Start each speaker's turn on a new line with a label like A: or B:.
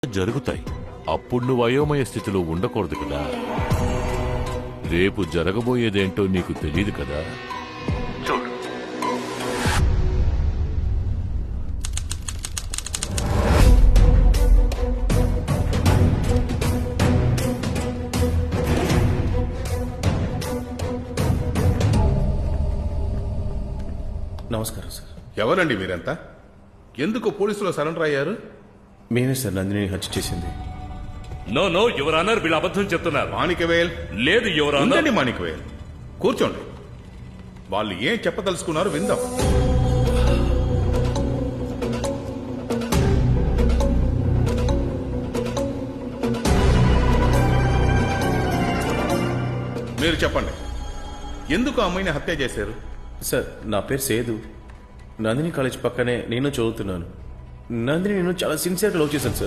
A: జరుగుతాయి. అప్పుడు నువ్వు అయోమయ స్థితిలో ఉండకూడదు కదా. రేపు జరగబోయేదేంటో నీకు తెలియదు కదా. చూడు,
B: నమస్కారం సార్.
C: ఎవరండి మీరంతా? ఎందుకు పోలీసులో సరెండర్ అయ్యారు?
B: మేమే సార్ నందిని హత్య చేసింది.
D: నో నో యువర్ ఆనర్, వీళ్ళు అబద్ధం చెప్తున్నారు.
C: మాణికవేల్,
D: లేదు యువర్ ఆనర్.
C: ఉండండి మాణికవేల్, కూర్చోండి. వాళ్ళు ఏం చెప్పదలుచుకున్నారు విందాం. మీరు చెప్పండి, ఎందుకు ఆ అమ్మాయిని హత్య చేశారు?
B: సార్, నా పేరు సేదు. నందిని కాలేజ్ పక్కనే నేను చదువుతున్నాను. నందిని నేను చాలా సిన్సియర్గా లవ్ చేశాను సార్.